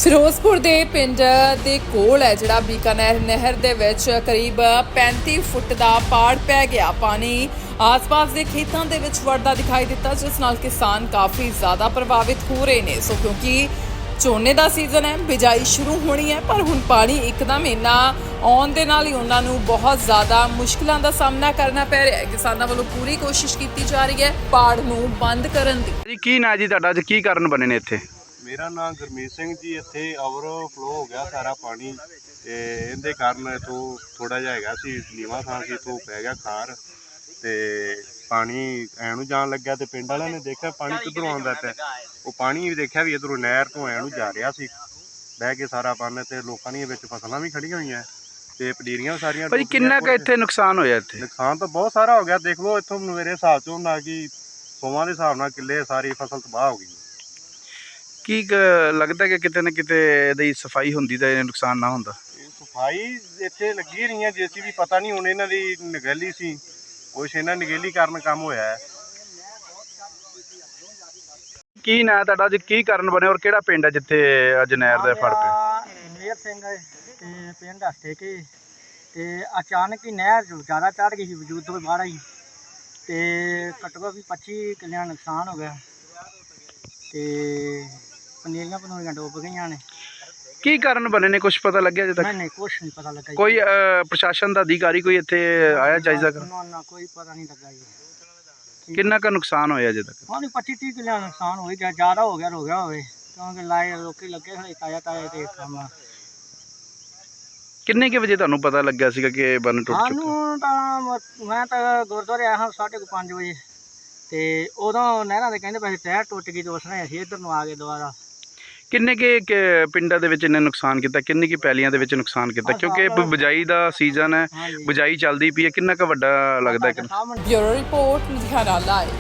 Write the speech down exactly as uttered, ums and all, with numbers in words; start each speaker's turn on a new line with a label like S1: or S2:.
S1: ਫਿਰੋਜ਼ਪੁਰ ਦੇ ਪਿੰਡ ਦੇ ਕੋਲ ਹੈ ਜਿਹੜਾ ਬੀਕਾਨੇਰ ਨਹਿਰ ਦੇ ਵਿੱਚ ਕਰੀਬ ਪੈਂਤੀ ਫੁੱਟ ਦਾ ਪਾੜ ਪੈ ਗਿਆ। ਪਾਣੀ ਆਸ-ਪਾਸ ਦੇ ਖੇਤਾਂ ਦੇ ਵਿੱਚ ਵੜਦਾ ਦਿਖਾਈ ਦਿੱਤਾ, ਜਿਸ ਨਾਲ ਕਿਸਾਨ ਕਾਫੀ ਜ਼ਿਆਦਾ ਪ੍ਰਭਾਵਿਤ ਹੋ ਰਹੇ ਨੇ। ਸੋ ਕਿਉਂਕਿ ਝੋਨੇ ਦਾ ਸੀਜ਼ਨ ਹੈ, ਬਿਜਾਈ ਸ਼ੁਰੂ ਹੋਣੀ ਹੈ, ਪਰ ਹੁਣ ਪਾਣੀ ਇੱਕਦਮ ਇੰਨਾ ਆਉਣ ਦੇ ਨਾਲ ਹੀ ਉਹਨਾਂ ਨੂੰ ਬਹੁਤ ਜ਼ਿਆਦਾ ਮੁਸ਼ਕਿਲਾਂ ਦਾ ਸਾਹਮਣਾ ਕਰਨਾ ਪੈ ਰਿਹਾ ਹੈ। ਕਿਸਾਨਾਂ ਵੱਲੋਂ ਪੂਰੀ ਕੋਸ਼ਿਸ਼ ਕੀਤੀ ਜਾ ਰਹੀ ਹੈ ਪਾੜ ਨੂੰ ਬੰਦ ਕਰਨ ਦੀ।
S2: ਜੀ ਕੀ ਨਾਂ ਜੀ ਤੁਹਾਡਾ, ਅੱਜ ਕੀ ਕਾਰਨ ਬਣੇ ਨੇ ਇੱਥੇ?
S3: ਮੇਰਾ ਨਾਮ ਗੁਰਮੀਤ ਸਿੰਘ ਜੀ। ਇੱਥੇ ਓਵਰਫਲੋ ਹੋ ਗਿਆ ਸਾਰਾ ਪਾਣੀ ਤੇ ਇਹਦੇ ਕਾਰਨ ਇਥੋਂ ਥੋੜਾ ਜਿਹਾ ਹੈਗਾ ਸੀ ਨੀਵਾਂ ਥਾਂ ਸੀ, ਇਥੋਂ ਪੈ ਗਿਆ ਖਾਰ ਤੇ ਪਾਣੀ ਐ ਨੂੰ ਜਾਣ ਲੱਗਿਆ ਤੇ ਪਿੰਡ ਵਾਲਿਆਂ ਨੇ ਦੇਖਿਆ ਪਾਣੀ ਕਿੱਧਰੋਂ ਆਉਂਦਾ ਪਿਆ। ਉਹ ਪਾਣੀ ਵੀ ਦੇਖਿਆ ਵੀ ਇੱਧਰੋਂ ਨਹਿਰ ਤੋਂ ਐ ਨੂੰ ਜਾ ਰਿਹਾ ਸੀ ਬਹਿ ਕੇ ਸਾਰਾ ਪਾਣੀ, ਤੇ ਲੋਕਾਂ ਦੀਆਂ ਵਿੱਚ ਫਸਲਾਂ ਵੀ ਖੜੀਆਂ ਹੋਈਆਂ ਤੇ ਪਨੀਰੀਆਂ ਸਾਰੀਆਂ।
S2: ਭਾਜੀ ਕਿੰਨਾ ਕੁ ਇੱਥੇ ਨੁਕਸਾਨ ਹੋਇਆ? ਇੱਥੇ
S3: ਨੁਕਸਾਨ ਤਾਂ ਬਹੁਤ ਸਾਰਾ ਹੋ ਗਿਆ। ਦੇਖ ਲਓ ਇੱਥੋਂ ਮੇਰੇ ਹਿਸਾਬ ਚੋਂ ਨਾ ਕਿ ਸੌਵਾਂ ਦੇ ਹਿਸਾਬ ਨਾਲ ਕਿੱਲੇ ਸਾਰੀ ਫਸਲ ਤਬਾਹ ਹੋ ਗਈ।
S2: ਕੀ ਲੱਗਦਾ ਕਿ ਕਿਤੇ ਨਾ ਕਿਤੇ ਇਹਦੀ ਸਫਾਈ ਹੁੰਦੀ ਤਾਂ ਇਹ ਨੁਕਸਾਨ ਨਾ ਹੁੰਦਾ?
S3: ਇਹ ਸਫਾਈ ਇੱਥੇ ਲੱਗੀ ਰਹੀ ਹੈ ਜੇਸੀ ਵੀ, ਪਤਾ ਨਹੀਂ ਹੁਣ ਇਹਨਾਂ ਦੀ ਨਿਗਹਿਲੀ ਸੀ, ਕੁਛ ਇਹਨਾਂ ਨਿਗਹਿਲੀ ਕਾਰਨ ਕੰਮ ਹੋਇਆ ਹੈ।
S2: ਕੀ ਨਾਂ ਤੁਹਾਡਾ, ਅੱਜ ਕੀ ਕਾਰਨ ਬਣੇ ਔਰ ਕਿਹੜਾ ਪਿੰਡ ਹੈ ਜਿੱਥੇ ਅੱਜ ਨਹਿਰ ਦਾ ਫੜ ਪਿਆ?
S4: ਮੇਰ ਸਿੰਘ ਤੇ ਪਿੰਡ ਹਸਤੇ ਕੇ ਤੇ ਅਚਾਨਕ ਹੀ ਨਹਿਰ ਜ਼ਿਆਦਾ ਚੜ੍ਹ ਗਈ ਸੀ, ਵਜੂਦ ਤੋਂ ਬਾਹਰ ਆਈ ਤੇ ਘੱਟੋ ਘੱਟ ਵੀ ਪੱਚੀ ਕਿੱਲਿਆਂ ਨੁਕਸਾਨ ਹੋ ਗਿਆ ਤੇ ਪਨੀਰੀਆਂ ਪਨੂਰੀਆਂ ਡੁੱਬ ਗਈਆਂ ਨੇ।
S2: ਕੀ ਕਾਰਨ ਬਣੇ ਨੇ, ਕੁਝ ਪਤਾ ਲੱਗਿਆ ਅਜੇ ਤੱਕ?
S4: ਨਹੀਂ ਨਹੀਂ ਕੁਛ ਨਹੀਂ ਪਤਾ ਲੱਗਾ ਜੀ।
S2: ਕੋਈ ਪ੍ਰਸ਼ਾਸਨ ਦਾ ਅਧਿਕਾਰੀ ਕੋਈ ਇੱਥੇ ਆਇਆ ਜਾਇਜ਼ਾ ਕਰਨ?
S4: ਨਾ ਨਾ ਕੋਈ ਪਤਾ ਨਹੀਂ ਲੱਗਾ ਜੀ।
S2: ਕਿੰਨਾ ਕੁ ਨੁਕਸਾਨ ਹੋਇਆ ਅਜੇ ਤੱਕ?
S4: ਹਾਂ ਪੱਚੀ ਤੀਹ ਕਿੱਲਿਆਂ ਨੁਕਸਾਨ ਹੋ ਗਿਆ, ਜ਼ਿਆਦਾ ਹੋ ਗਿਆ ਹੋ ਗਿਆ ਹੋਵੇ, ਕਿਉਂਕਿ ਲਾਏ ਲੋਕੀ ਲੱਗੇ ਹੋਏ ਤਾਜ਼ਾ ਤਾਜ਼ਾ ਤੇ ਕੰਮ।
S2: ਕਿੰਨੇ ਕੁ ਵਜੇ ਤੁਹਾਨੂੰ ਪਤਾ ਲੱਗਿਆ ਸੀਗਾ ਕਿ ਬੰਨ ਟੁੱਟ ਚੁੱਕਾ?
S4: ਸਾਨੂੰ ਤਾਂ ਮੈਂ ਤਾਂ ਗੁਰਦੁਆਰੇ ਆਇਆ ਹਾਂ ਸਾਢੇ ਕੁ ਪੰਜ ਵਜੇ ਤੇ ਉਦੋਂ ਨਹਿਰਾਂ ਦੇ ਕਹਿੰਦੇ ਪਏ ਟਾਇਰ ਟੁੱਟ ਗਈ ਤੇ ਉਸ ਨੇ ਅਸੀਂ ਇੱਧਰ ਨੂੰ ਆ ਗਏ ਦੁਬਾਰਾ।
S2: ਕਿੰਨੇ ਕੁ ਪਿੰਡਾਂ ਦੇ ਵਿੱਚ ਇਹਨੇ ਨੁਕਸਾਨ ਕੀਤਾ, ਕਿੰਨੀ ਕੁ ਪੈਲੀਆਂ ਦੇ ਵਿੱਚ ਨੁਕਸਾਨ ਕੀਤਾ? ਕਿਉਂਕਿ ਬਿਜਾਈ ਦਾ ਸੀਜ਼ਨ ਹੈ, ਬਿਜਾਈ ਚੱਲਦੀ ਪਈ ਹੈ, ਕਿੰਨਾ ਕੁ ਵੱਡਾ ਲੱਗਦਾ?
S1: Bureau report Ludhiana live.